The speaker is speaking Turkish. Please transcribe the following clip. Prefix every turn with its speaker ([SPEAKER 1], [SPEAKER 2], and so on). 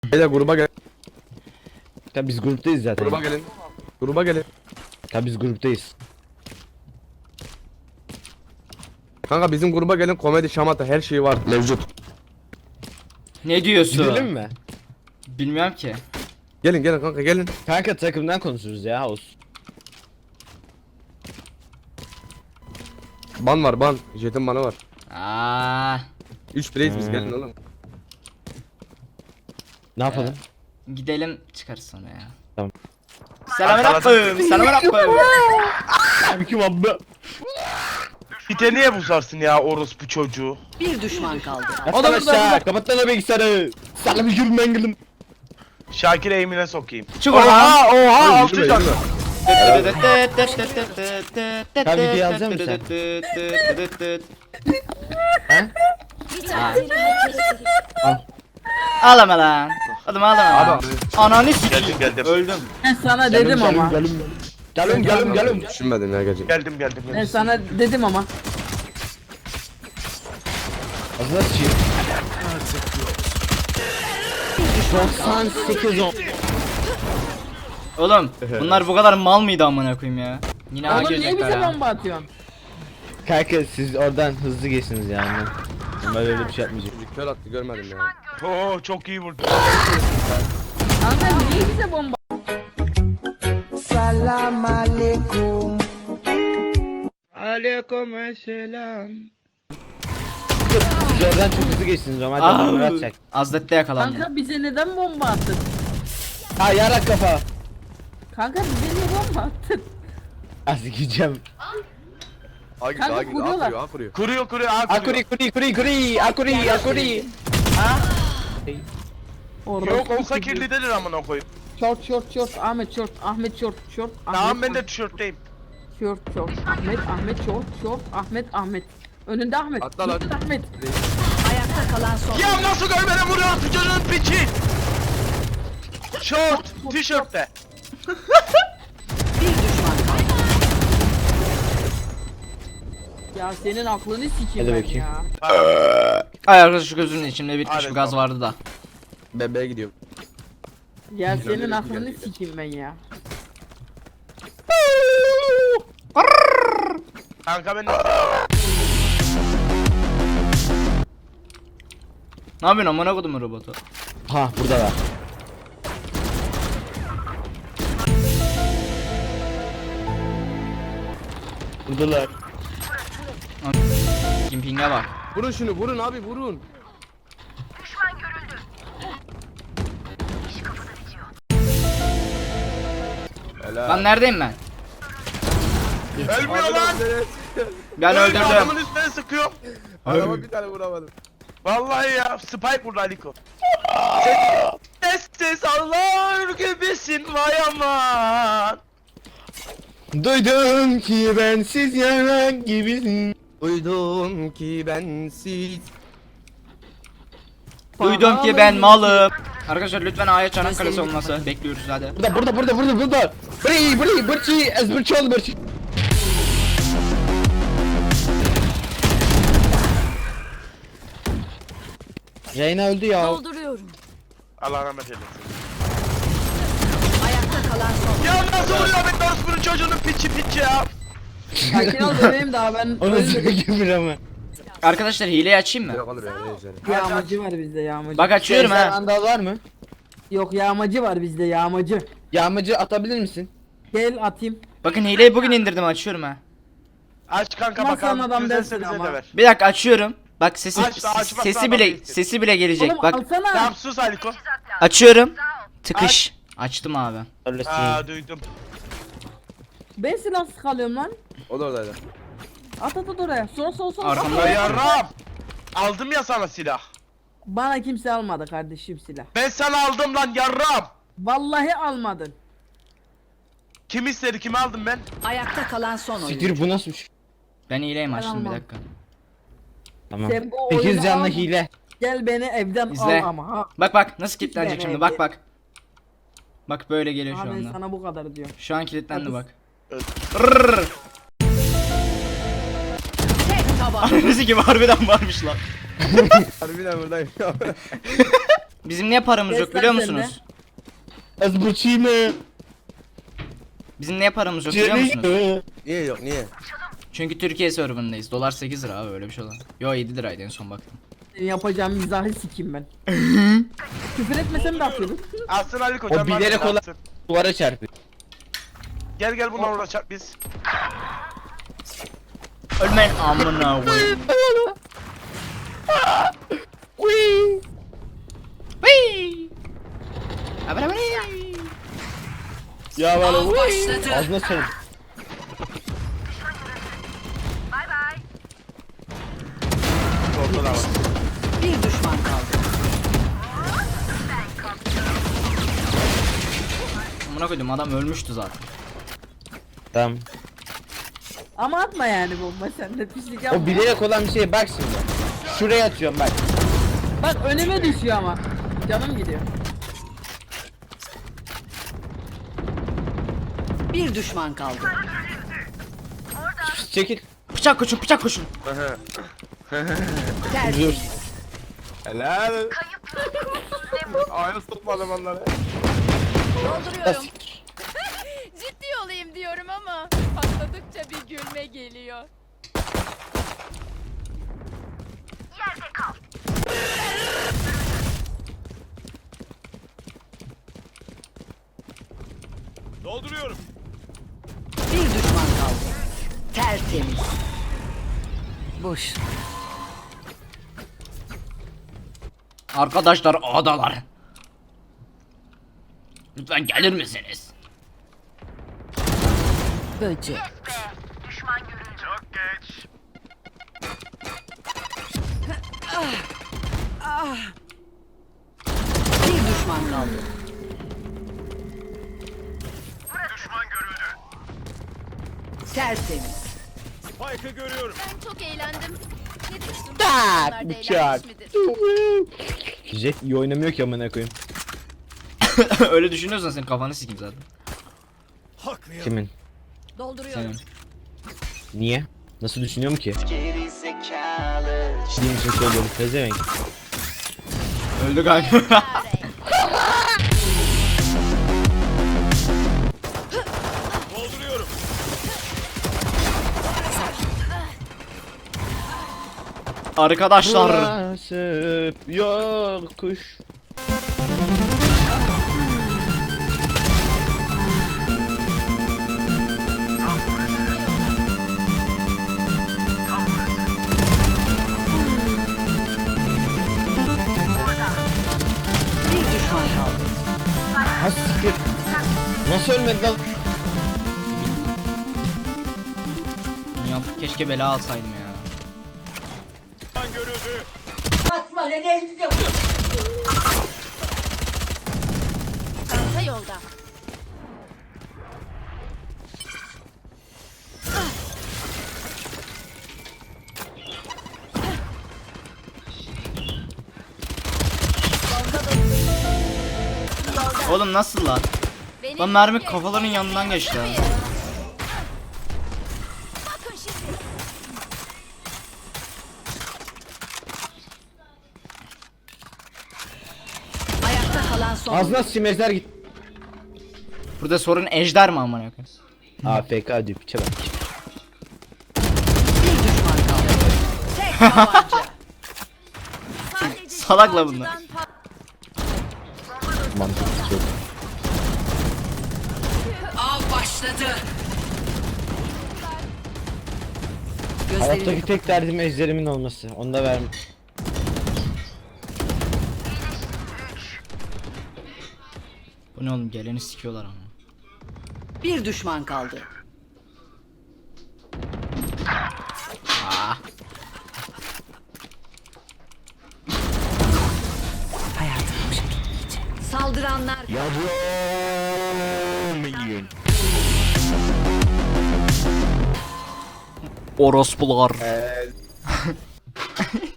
[SPEAKER 1] Beyler gruba gel.
[SPEAKER 2] Ya biz gruptayız zaten.
[SPEAKER 1] Gruba gelin. Gruba gelin.
[SPEAKER 2] Ya biz gruptayız.
[SPEAKER 1] Kanka bizim gruba gelin, komedi şamata her şey var mevcut.
[SPEAKER 3] Ne diyorsun?
[SPEAKER 2] Gidelim mi?
[SPEAKER 3] Bilmiyorum ki.
[SPEAKER 1] Gelin gelin kanka gelin.
[SPEAKER 2] Kanka takımdan konuşuruz ya olsun.
[SPEAKER 1] Ban var ban. Jet'in banı var.
[SPEAKER 3] Aa,
[SPEAKER 1] 3 bireyiz biz,
[SPEAKER 2] Hmm.
[SPEAKER 1] gelin oğlum.
[SPEAKER 2] Ne yapalım?
[SPEAKER 3] gidelim çıkarız sonra ya.
[SPEAKER 2] Tamam.
[SPEAKER 3] Selamünaleyküm. Selamünaleyküm.
[SPEAKER 2] Kim abi?
[SPEAKER 4] Pite niye buzarsın ya orospu çocuğu?
[SPEAKER 5] Bir düşman kaldı.
[SPEAKER 2] O da aşağı. Kapat lan o bilgisayarı. Sana bir yürü mengelim.
[SPEAKER 4] Şakir eğimine sokayım.
[SPEAKER 3] Çık oradan.
[SPEAKER 4] Oha altı
[SPEAKER 1] Yürüme,
[SPEAKER 4] can.
[SPEAKER 1] yürüme.
[SPEAKER 2] Sen video alacak mısın
[SPEAKER 3] Ağlama lan. Oğlum ağlama.
[SPEAKER 1] Abi.
[SPEAKER 3] Ananı sikeyim.
[SPEAKER 4] Geldim.
[SPEAKER 3] Öldüm.
[SPEAKER 6] Ben sana dedim ama.
[SPEAKER 2] Gelin.
[SPEAKER 1] Düşünmedim ya gece.
[SPEAKER 4] Geldim.
[SPEAKER 6] Ben sana dedim ama.
[SPEAKER 2] Ağzına sıçayım. 98 10.
[SPEAKER 3] Oğlum bunlar bu kadar mal mıydı amına koyayım ya? Yine A
[SPEAKER 6] Oğlum niye
[SPEAKER 3] girecekler
[SPEAKER 6] bize
[SPEAKER 3] ha.
[SPEAKER 6] bomba atıyorsun?
[SPEAKER 2] Kanka siz oradan hızlı geçsiniz yani. Ben öyle bir şey yapmayacağım.
[SPEAKER 1] Kör attı, görmedim ya.
[SPEAKER 4] Oo çok iyi vurdu.
[SPEAKER 6] Kanka niye bize bomba?
[SPEAKER 2] Siz oradan çok hızlı geçsiniz normalde adamlar atacak.
[SPEAKER 3] Azlet'te yakalandım.
[SPEAKER 6] Kanka bize neden bomba attın?
[SPEAKER 2] Ha yarak kafa.
[SPEAKER 6] Kanka bize niye bomba attın?
[SPEAKER 2] Az gideceğim.
[SPEAKER 1] A gidiyor,
[SPEAKER 6] Kanka
[SPEAKER 1] A gidiyor, A
[SPEAKER 6] kuruyorlar.
[SPEAKER 1] kuruyor, A kuruyor.
[SPEAKER 4] Kuruyor
[SPEAKER 2] Akuri akuri.
[SPEAKER 6] Orada
[SPEAKER 4] Yok olsa kirli denir amına koyayım.
[SPEAKER 6] Short Ahmet short Ahmet short
[SPEAKER 4] Tamam
[SPEAKER 6] Ahmet,
[SPEAKER 4] ben de tişörtteyim.
[SPEAKER 6] short Ahmet Ahmet önünde Ahmet
[SPEAKER 1] Atla lan.
[SPEAKER 6] önünde Ahmet.
[SPEAKER 5] Ayakta kalan son.
[SPEAKER 4] Ya nasıl görmeden vuruyor bu çocuğun piçi? Şort, tişörtte.
[SPEAKER 5] Bir düşman kaldı.
[SPEAKER 6] Ya senin aklını sikeyim
[SPEAKER 2] Hadi
[SPEAKER 6] ben
[SPEAKER 2] bakayım.
[SPEAKER 6] ya.
[SPEAKER 3] Ay arkadaş şu gözümün içinde bitmiş
[SPEAKER 4] Hadi
[SPEAKER 3] bir gaz
[SPEAKER 4] tamam.
[SPEAKER 3] vardı da.
[SPEAKER 1] Bebeğe gidiyor.
[SPEAKER 6] Ya senin
[SPEAKER 1] Gel,
[SPEAKER 6] aklını
[SPEAKER 1] gel.
[SPEAKER 6] sikeyim ben ya.
[SPEAKER 4] Kanka ben de...
[SPEAKER 3] Ne yapıyorsun amına kodumun robotu?
[SPEAKER 2] Ha burada da. Buradalar.
[SPEAKER 3] Kimping'e bak.
[SPEAKER 1] Vurun şunu, vurun abi, vurun.
[SPEAKER 3] Lan neredeyim ben?
[SPEAKER 4] Ölmüyor lan.
[SPEAKER 3] Ben öldürdüm.
[SPEAKER 4] Adamın üstüne sıkıyor.
[SPEAKER 1] Adama bir tane vuramadım.
[SPEAKER 4] Vallahi ya Spike vurdu Aliko. Sessiz ağlar gibisin vay aman.
[SPEAKER 2] Duydum ki bensiz yarak gibisin.
[SPEAKER 1] Duydum ki bensiz.
[SPEAKER 3] Duydum ki ben malım. Arkadaşlar lütfen A'ya Çanakkale olması bekliyoruz hadi.
[SPEAKER 2] Burada. Bırçı, ezbırçı ol bırçı. Reyna öldü ya.
[SPEAKER 5] Dolduruyorum.
[SPEAKER 4] Allah rahmet eylesin.
[SPEAKER 5] Ayakta kalan son.
[SPEAKER 4] Ya nasıl vuruyor ben orospunun çocuğunun piçi ya.
[SPEAKER 6] Sakin ol bebeğim daha ben
[SPEAKER 2] Onu
[SPEAKER 6] öldüm.
[SPEAKER 2] söyleyeyim ama.
[SPEAKER 3] Arkadaşlar hileyi açayım mı?
[SPEAKER 1] Yok olur ya, ne güzel.
[SPEAKER 6] Yağmacı var bizde yağmacı.
[SPEAKER 3] Bak açıyorum
[SPEAKER 2] Sen
[SPEAKER 3] ha.
[SPEAKER 2] andal var mı?
[SPEAKER 6] Yok yağmacı var bizde yağmacı.
[SPEAKER 2] Yağmacı atabilir misin?
[SPEAKER 6] Gel atayım.
[SPEAKER 3] Bakın hileyi bugün indirdim açıyorum ha.
[SPEAKER 4] Aç kanka
[SPEAKER 6] Nasıl
[SPEAKER 4] bakalım.
[SPEAKER 6] adam
[SPEAKER 4] Güzelse
[SPEAKER 6] dersin
[SPEAKER 4] bize
[SPEAKER 6] ama.
[SPEAKER 4] de ver.
[SPEAKER 3] Bir dakika açıyorum. Bak sesi
[SPEAKER 4] Aç da aç, bak,
[SPEAKER 3] sesi
[SPEAKER 4] adam
[SPEAKER 3] bile
[SPEAKER 4] değilsin.
[SPEAKER 3] sesi bile gelecek.
[SPEAKER 6] Oğlum
[SPEAKER 3] Bak
[SPEAKER 6] alsana.
[SPEAKER 4] Tamam sus Aliko.
[SPEAKER 3] açıyorum. Tıkış. Açtım abi.
[SPEAKER 4] Aa duydum.
[SPEAKER 6] Ben silah sıkalıyorum lan.
[SPEAKER 1] O da oradaydı.
[SPEAKER 6] At oraya. Sol.
[SPEAKER 3] Arkamda
[SPEAKER 4] Ya Ram. Aldım ya sana silah.
[SPEAKER 6] Bana kimse almadı kardeşim silah.
[SPEAKER 4] Ben sana aldım lan yarram.
[SPEAKER 6] Vallahi almadın.
[SPEAKER 4] Kim istedi kimi aldım ben?
[SPEAKER 5] Ayakta kalan son oyun.
[SPEAKER 2] Siktir bu nasıl bir şey?
[SPEAKER 3] Ben hileyim
[SPEAKER 6] Ben
[SPEAKER 3] açtım bir
[SPEAKER 6] almam.
[SPEAKER 3] dakika.
[SPEAKER 2] Tamam.
[SPEAKER 6] Sen bu
[SPEAKER 2] 8
[SPEAKER 6] oyunu
[SPEAKER 2] canlı
[SPEAKER 6] al.
[SPEAKER 2] hile.
[SPEAKER 6] Gel beni evden
[SPEAKER 3] İzle.
[SPEAKER 6] al ama ha.
[SPEAKER 3] Bak nasıl kilitlenecek
[SPEAKER 6] Hiç
[SPEAKER 3] şimdi
[SPEAKER 6] beğenmedim.
[SPEAKER 3] bak. Bak böyle geliyor şu
[SPEAKER 6] Ha ben
[SPEAKER 3] anda.
[SPEAKER 6] sana bu kadar diyorum.
[SPEAKER 3] Şu an kilitlendi
[SPEAKER 6] Hadi.
[SPEAKER 3] bak.
[SPEAKER 4] Evet.
[SPEAKER 3] Rrrr.
[SPEAKER 5] Tek taban.
[SPEAKER 3] Ananızı gibi harbiden varmış lan.
[SPEAKER 1] Harbiden buradayım.
[SPEAKER 3] Bizim niye paramız yok biliyor
[SPEAKER 6] Destek
[SPEAKER 3] musunuz?
[SPEAKER 2] Az buçime.
[SPEAKER 3] Bizim niye paramız yok biliyor musunuz?
[SPEAKER 1] Niye yok niye?
[SPEAKER 3] Çünkü Türkiye serverındayız. Dolar 8 lira abi öyle bir şey olan. Yo 7 liraydı en son baktım.
[SPEAKER 6] Senin yapacağım mizahı sikeyim ben. Küfür etmesem de atıyordum.
[SPEAKER 4] Alsın Ali Koçan.
[SPEAKER 2] O bilerek olan duvara çarpıyor.
[SPEAKER 4] Gel gel bununla uğraşak biz.
[SPEAKER 3] Ölmeyin amına koyayım. Whee! Abra abra.
[SPEAKER 2] Ya bana
[SPEAKER 5] Av başladı.
[SPEAKER 2] ağzına sarıl.
[SPEAKER 4] Ortada var.
[SPEAKER 5] Bir düşman kaldı.
[SPEAKER 3] Amına koydum adam ölmüştü zaten.
[SPEAKER 2] Tamam.
[SPEAKER 6] Ama atma yani bomba sen de pislik yapma.
[SPEAKER 2] O bilerek olan bir şey bak şimdi. Şuraya atıyorum bak.
[SPEAKER 6] Bak önüme düşüyor ama. Canım gidiyor.
[SPEAKER 5] Bir düşman kaldı.
[SPEAKER 2] Çekil.
[SPEAKER 3] Bıçak koşun bıçak koşun.
[SPEAKER 5] Tertemiz.
[SPEAKER 1] Helal. Ayağını sokmadım onları.
[SPEAKER 7] Dolduruyorum. Ciddi olayım diyorum ama patladıkça bir gülme geliyor.
[SPEAKER 5] Bir düşman kaldı. Tertemiz. Boş.
[SPEAKER 3] Arkadaşlar adalar. Lütfen gelir misiniz?
[SPEAKER 5] Böcek. Bir düşman kaldı. Tertemiz.
[SPEAKER 7] Ben çok eğlendim. Ne diyorsun?
[SPEAKER 2] Tak,
[SPEAKER 7] Onlar da
[SPEAKER 2] bıçak.
[SPEAKER 7] eğlenmiş midir?
[SPEAKER 2] Jet iyi oynamıyor ki amına koyayım.
[SPEAKER 3] Öyle düşünüyorsan senin kafanı sikeyim zaten.
[SPEAKER 2] Kimin?
[SPEAKER 7] Dolduruyorum.
[SPEAKER 3] Senin.
[SPEAKER 2] Niye? Nasıl düşünüyorum ki? Şirin için söylüyorum pezevenk.
[SPEAKER 3] Öldü kanka. Arkadaşlar.
[SPEAKER 2] Nasip yokuş.
[SPEAKER 5] Bir düşman kaldı.
[SPEAKER 2] Ha siktir. Nasıl ölmedi lan?
[SPEAKER 3] Ya, keşke bela alsaydım ya.
[SPEAKER 7] Çanta yolda.
[SPEAKER 3] Oğlum nasıl lan?
[SPEAKER 7] Benim
[SPEAKER 3] Lan mermi kafaların yanından geçti ha.
[SPEAKER 7] Bakın şimdi.
[SPEAKER 5] Ayakta kalan son.
[SPEAKER 2] Ağzına simezler git.
[SPEAKER 3] Burada sorun ejder mi amına koyayım?
[SPEAKER 2] AFK diyor piçe bak.
[SPEAKER 5] Bir düşman kaldı. Tek tabanca.
[SPEAKER 7] Sadece
[SPEAKER 3] Salakla bunlar.
[SPEAKER 7] şifacıdan
[SPEAKER 2] Mantıklı çok.
[SPEAKER 5] Av başladı. Gözlerini
[SPEAKER 2] Hayattaki tek derdim ejderimin olması. Onu da verme.
[SPEAKER 3] Bu ne oğlum geleni sikiyorlar ama.
[SPEAKER 5] bir düşman kaldı.
[SPEAKER 3] Aa.
[SPEAKER 5] Saldıranlar
[SPEAKER 3] Orospular.